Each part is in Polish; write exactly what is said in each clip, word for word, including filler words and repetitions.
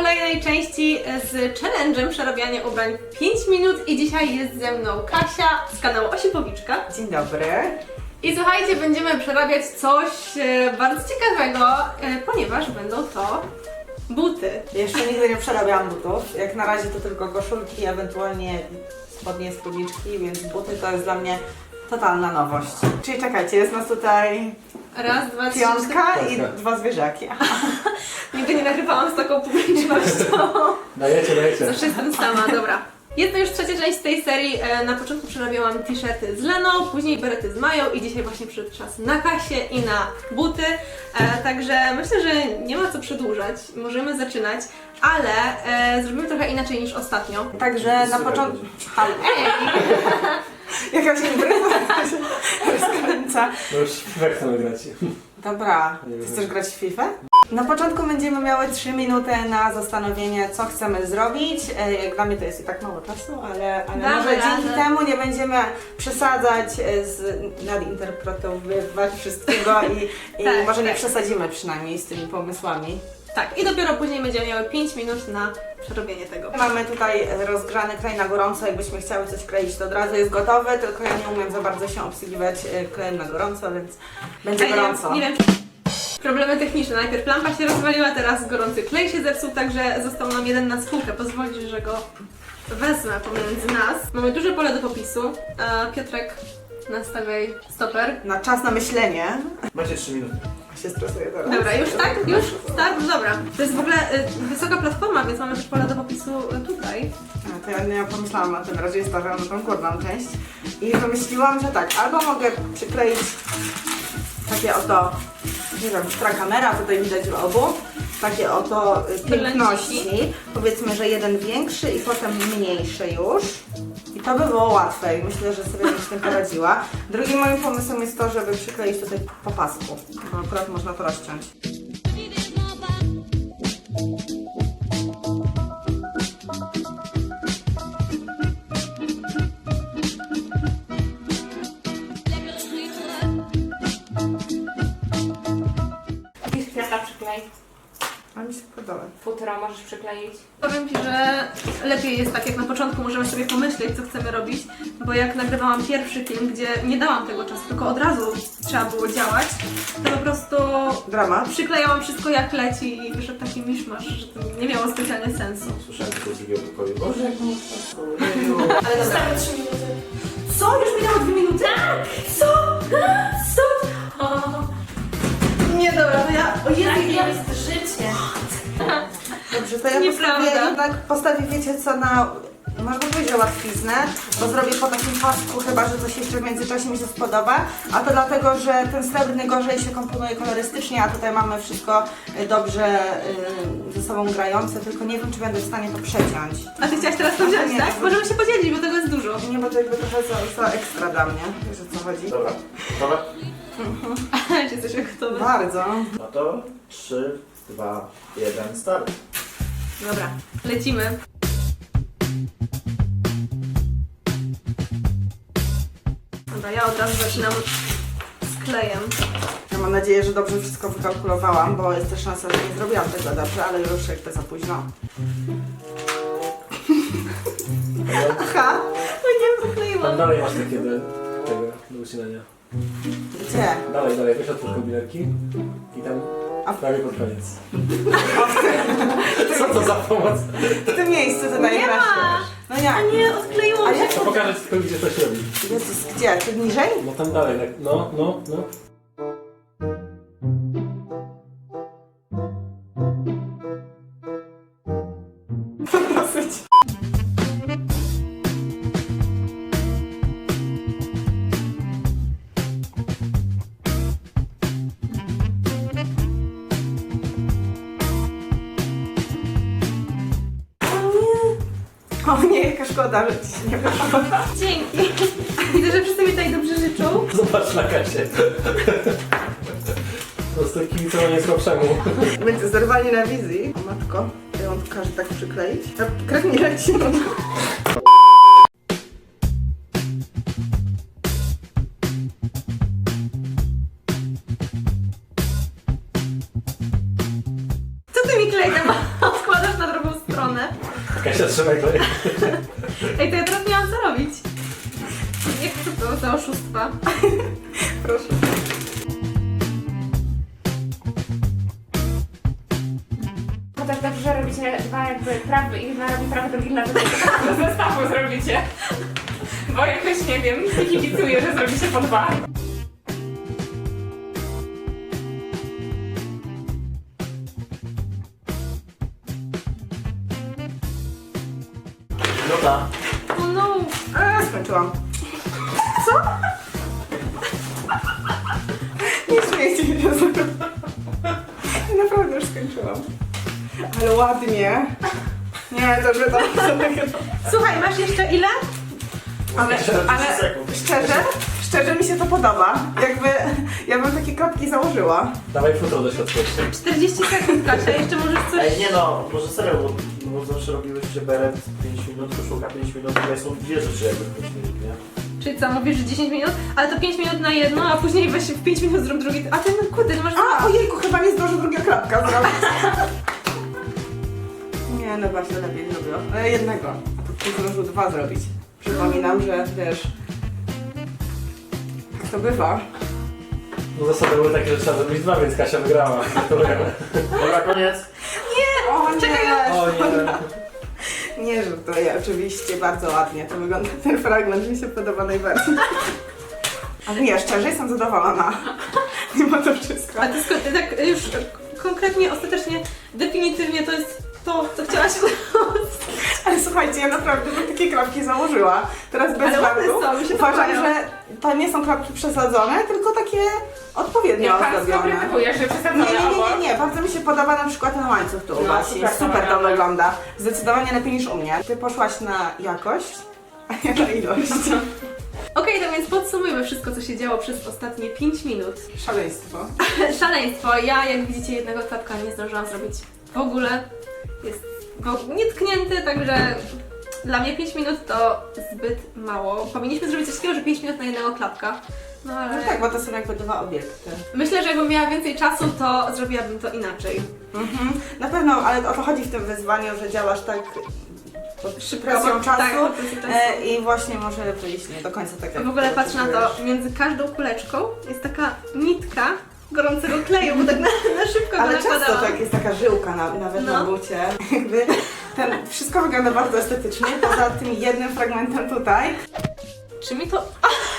kolejnej części z challenge'em przerabiania ubrań w pięć minut i dzisiaj jest ze mną Kasia z kanału Osipowiczka. Dzień dobry. I słuchajcie, będziemy przerabiać coś e, bardzo ciekawego, e, ponieważ będą to buty. Jeszcze nigdy nie przerabiałam butów. Jak na razie to tylko koszulki, ewentualnie spodnie, spódniczki, więc buty to jest dla mnie totalna nowość. Czyli czekajcie, jest nas tutaj Raz, dwa, trzy, piątka cztery. i dwa zwierzaki. Nigdy nie nagrywałam z taką publicznością. Dajecie, dajecie. Zawsze jestem sama, dobra. Jest to już trzecia część z tej serii. E, Na początku przerabiałam t-shirty z Leną, później berety z Mają i dzisiaj właśnie przyszedł czas na Kasię i na buty. E, Także myślę, że nie ma co przedłużać, możemy zaczynać, ale e, zrobimy trochę inaczej niż ostatnio. Także na początku... Jakaś impreza się rozkręca. No już FIFA chcemy grać. Dobra, ty chcesz grać w FIFA? Na początku będziemy miały trzy minuty na zastanowienie, co chcemy zrobić. E, Jak dla mnie to jest i tak mało czasu, ale, ale Damy może dzięki radę. temu nie będziemy przesadzać, e, z, nadinterpretowywać wszystkiego i, i Tak, może nie tak. przesadzimy przynajmniej z tymi pomysłami. Tak, i dopiero później będziemy miały pięć minut na przerobienie tego. Mamy tutaj rozgrzany klej na gorąco, jakbyśmy chciały coś kleić, to od razu jest gotowy, tylko ja nie umiem za bardzo się obsługiwać e, klejem na gorąco, więc będzie A ja gorąco. Nie wiem, problemy techniczne. Najpierw lampa się rozwaliła, teraz gorący klej się zepsuł, także został nam jeden na spółkę. Pozwolisz, że go wezmę pomiędzy nas. Mamy duże pole do popisu. A Piotrek, nastawiaj stoper. Na czas na myślenie. Macie trzy minuty. Się stresuję teraz. Dobra, już tak? Już? Start? No dobra. To jest w ogóle y, wysoka platforma, więc mamy też pole do popisu y, tutaj. A, to ja nie pomyślałam o tym, raczej stawiam na tą górną część i wymyśliłam, że tak, albo mogę przykleić takie oto, nie wiem, która kamera, tutaj widać w obu, takie oto y, piękności, powiedzmy, że jeden większy i potem mniejszy już. I to by było łatwe i myślę, że sobie bym z tym poradziła. Drugim moim pomysłem jest to, żeby przykleić tutaj po pasku, bo akurat można to rozciąć. Pisz kwiata przyklej. A mi się podoba. Futro możesz przykleić. Powiem Ci, że lepiej jest tak, jak na początku możemy sobie pomyśleć, co chcemy robić, bo jak nagrywałam pierwszy film, gdzie nie dałam tego czasu, tylko od razu trzeba było działać, to po prostu Dramat. przyklejałam wszystko jak leci i wyszedł taki miszmasz, że to nie miało specjalnie sensu. Słyszałem tylko z drugiego pokoju. Boże, jak mało czasu. Ale dobra. Zostały trzy minuty. Co? Już minęło dwie minuty? Tak! Co? Co? O. Nie, dobra, to ja... O Jezu, Tak ja... jest życie. Dobrze, to ja Nieprawda. postawię, jednak postawię, wiecie co, na, można powiedzieć, że łatwiznę, bo zrobię po takim pasku, chyba że coś jeszcze w międzyczasie mi się spodoba, a to dlatego, że ten srebrny gorzej się komponuje kolorystycznie, a tutaj mamy wszystko y, dobrze y, ze sobą grające, tylko nie wiem, czy będę w stanie to przeciąć. A Ty chciałaś teraz to wziąć, Nie, tak? to- Możemy się podzielić, bo tego jest dużo. Nie, bo to jakby trochę za, za ekstra dla mnie, wiesz o co chodzi? Dobra, gotowe? Czy jesteś gotowy? Bardzo. No to trzy, dwa, jeden, start. Dobra, lecimy. Dobra, ja od razu zaczynam z klejem. Ja mam nadzieję, że dobrze wszystko wykalkulowałam, bo jest też szansa, że nie zrobiłam tego dobrze, ale już jakby za późno. Aha, No nie Tam pokleiłam. dalej masz takie do tego, do ucinania. gdzie? Dalej, dalej, weź otwórz kombinerki i tam A- prawie pod koniec. Co to za pomoc? W tym miejscu to najlepsze. No jak? A nie, odkleiło A się. jak? To pokażę ci tylko, gdzie coś robi. Jezus, gdzie? Tu niżej? No tam dalej, tak. No, no, no. Dosyć. O nie, jaka szkoda, że ci się nie wyszło. Dzięki. Widzę, że wszyscy mi tutaj dobrze życzą. Zobacz na kasie. Po prostu kibicowanie słabszemu. Będzie zerwanie na wizji. O matko, ja on każe tak przykleić. A krew mi leci. Co ty mi klej tam odkładasz na drobę? Kasia, trzymaj klej. Ej, to ja teraz miałam co robić. Jak to to za oszustwa? Proszę. No też dobrze, że robicie dwa jakby prawy i jedna robi prawy, drugi lewy, to do zestawu zrobicie. Bo jakoś nie wiem, nie kibicuję, że zrobicie po dwa. Minuta. Oh no! A, skończyłam. Co? Nie śmiejcie się ze mną. Naprawdę już skończyłam. Ale ładnie. Nie, to że tam Słuchaj, masz jeszcze ile? Ale, ale szczerze, szczerze mi się to podoba. Jakby ja bym takie kropki założyła. Dawaj futro do środka. czterdzieści sekund, Kasia, jeszcze możesz coś... Ej, nie no, może serio, bo, bo zawsze robiłyście beret pięć minut, koszulka pięć minut, tutaj są dwie rzeczy jakby w pięć minut, nie? Czyli co, mówisz, że dziesięć minut? Ale to pięć minut na jedno, a później weź w pięć minut zrób drugi... A ty, no kurde, nie masz... A, ojejku, chyba nie zdążę drugiego klapka zrobić. Nie, no właśnie lepiej zrobił. Ale jednego. A to ty zdążył dwa zrobić. Przypominam, że wiesz... Jak to bywa. No zasady były takie, że trzeba zrobić dwa, więc Kasia wygrała. Gratulujemy. Dobra, koniec. O nie! Czekaj, O nie. Nie żartuję, oczywiście, bardzo ładnie to wygląda. Ten fragment mi się podoba najbardziej. Ale nie, szczerze jestem zadowolona. Mimo to wszystko. A ty skąd, tak już konkretnie, ostatecznie, definitywnie to jest to, co chciałaś Ale słuchajcie, ja naprawdę bym takie klapki założyła. Teraz bez Ale ładne żartu. są, mi się Uważam, podobają. że to nie są klapki przesadzone, tylko takie odpowiednio Jak pan ozdobione. skrytykuje, że Nie, przesadzone nie, nie, obok. nie, nie, bardzo mi się podoba na przykład ten łańcuch tu u No, Basi. super Super, to to wygląda. wygląda. Zdecydowanie lepiej niż u mnie. Ty poszłaś na jakość, a ja na ilość. Okej, no więc podsumujmy wszystko, co się działo przez ostatnie pięć minut. Szaleństwo. Szaleństwo. Ja, jak widzicie, jednego klapka nie zdążyłam zrobić w ogóle. Jest go nietknięty, także dla mnie pięć minut to zbyt mało. Powinniśmy zrobić coś takiego, że pięć minut na jednego klapka. No ale No tak, bo to są jakby dwa obiekty. myślę, że jakbym miała więcej czasu, to zrobiłabym to inaczej. Mhm. Na pewno, ale o to chodzi w tym wyzwaniu, że działasz tak pod Szybko, presją bo- czasu, tak, pod presją czasu. e, i właśnie może wyjść nie do końca tak jak W ogóle patrz na to, potrzebujesz. między każdą kuleczką jest taka nitka gorącego kleju, bo tak na, na szybko go Ale często nakładałam. tak jest taka żyłka na, nawet No. na bucie. Jakby ten, wszystko wygląda bardzo estetycznie, poza tym jednym fragmentem tutaj. Czy mi to...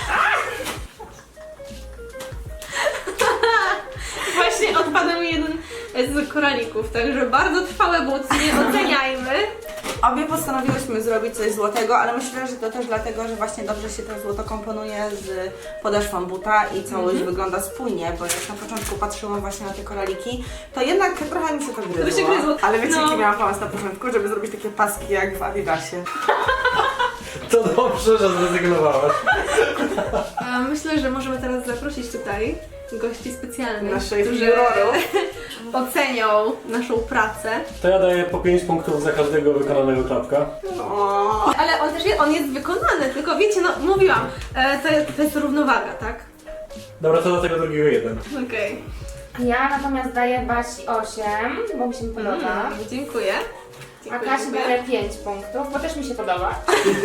Właśnie odpada mi jeden z koralików, także bardzo trwałe buty, nie oceniajmy. Obie postanowiłyśmy zrobić coś złotego, ale myślę, że to też dlatego, że właśnie dobrze się to złoto komponuje z podeszwą buta i całość Mhm. wygląda spójnie, bo jak na początku patrzyłam właśnie na te koraliki, to jednak trochę mi się to gryzło. To się gryzło. Ale wiecie, No. jaki miałam pomysł na początku, żeby zrobić takie paski jak w Adidasie. To dobrze, że zrezygnowałaś. A myślę, że możemy teraz zaprosić tutaj gości specjalnych, Naszych którzy jurorów. ocenią naszą pracę. To ja daję po pięć punktów za każdego wykonanego klapka. O. Ale on też jest, on jest wykonany, tylko wiecie, no mówiłam, e, to, to jest równowaga, tak? Dobra, to do tego drugiego jeden. Okej. Ja natomiast daję Basi osiem, bo mi się podoba. Mm, dziękuję. A Dziękuję, Kasi dziękuję. daję pięć punktów, bo też mi się podoba.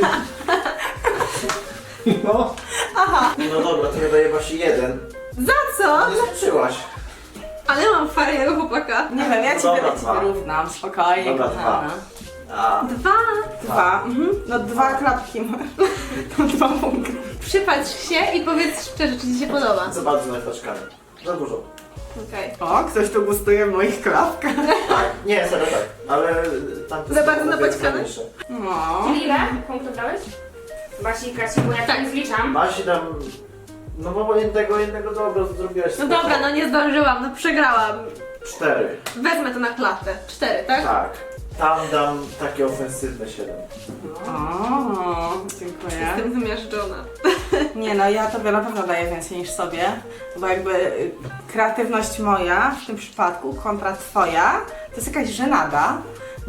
No. No dobra, to ja daję Basi jeden. Za co? Nie skończyłaś. Ale mam fajnego chłopaka. Nie wiem, ja No Ciebie dobra, ja dwa. ciebie równam, spokojnie, Dobra, kochana. A, Dwa. Dwa. Mhm. No dwa klapki masz. To dwa punkty. Przypatrz się i powiedz szczerze, czy Ci się podoba. za bardzo naleweczkami. Za dużo. Okej. O, ktoś tu gustuje w moich klapkach. Tak, nie, serio tak, ale tamte Za są bardzo o wiele napaćkane? fajniejsze. No. Czyli ile punktów dałeś? Basi i Kasi, bo ja Tak. tak nie zliczam. Basi tam, no bo jednego, jednego dobra zrobiłaś. No dobra, no nie zdążyłam, no przegrałam. Cztery. Wezmę to na klatę. Cztery, tak? Tak. Tam dam takie ofensywne siedem. O, dziękuję. Jestem zmiażdżona. Nie no, ja tobie na pewno daję więcej niż sobie, bo jakby y, kreatywność moja w tym przypadku kontra twoja to jest jakaś żenada,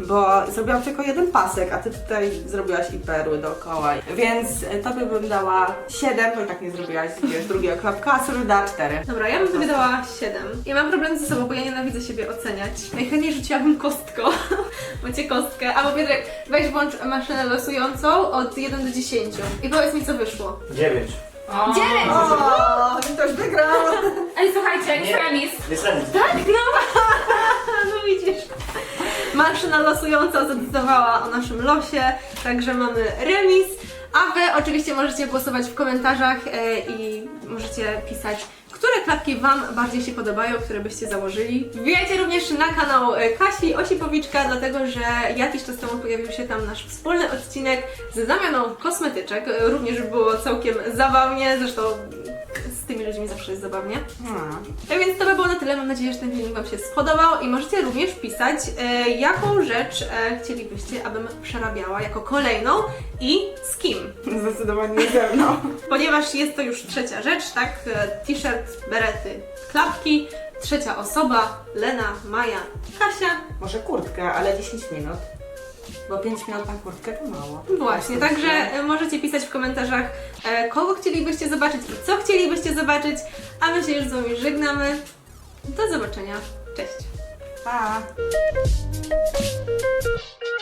bo zrobiłam tylko jeden pasek, a ty tutaj zrobiłaś i perły dookoła. Więc tobie bym dała siedem, bo i tak nie zrobiłaś wiesz, drugiego klapka, a sobie dała cztery. Dobra, ja bym sobie dała siedem. Ja mam problem ze sobą, bo ja nienawidzę siebie oceniać. Najchętniej rzuciłabym kostką. Macie kostkę. Albo Piotrek, weź włącz maszynę losującą od jeden do dziesięciu. I powiedz mi, co wyszło. dziewięć. O. dziewięć! O, ty też wygrał! Ej, słuchajcie, jest Nie. remis. Jest remis. Tak, no! No widzisz. Maszyna losująca zadecydowała o naszym losie, także mamy remis. A wy oczywiście możecie głosować w komentarzach e, i możecie pisać, które klapki wam bardziej się podobają, które byście założyli. Wbijajcie również na kanał e, Kasi Osipowiczka, dlatego że jakiś czas temu pojawił się tam nasz wspólny odcinek z zamianą kosmetyczek. E, Również było całkiem zabawnie, zresztą z tymi ludźmi zawsze jest zabawnie. Hmm. Tak więc to by było na tyle. Mam nadzieję, że ten filmik wam się spodobał i możecie również pisać, e, jaką rzecz e, chcielibyście, abym przerabiała jako kolejną i z kim. Zdecydowanie nie ze mną. Ponieważ jest to już trzecia rzecz, tak? E, T-shirt, berety, klapki. Trzecia osoba, Lena, Maja, Kasia. Może kurtkę, ale dziesięć minut. Bo pięć minut na kurtkę to mało. Właśnie, także e, możecie pisać w komentarzach, e, kogo chcielibyście zobaczyć i co chcielibyście zobaczyć, a my się już z wami żegnamy. Do zobaczenia. Cześć! Pa!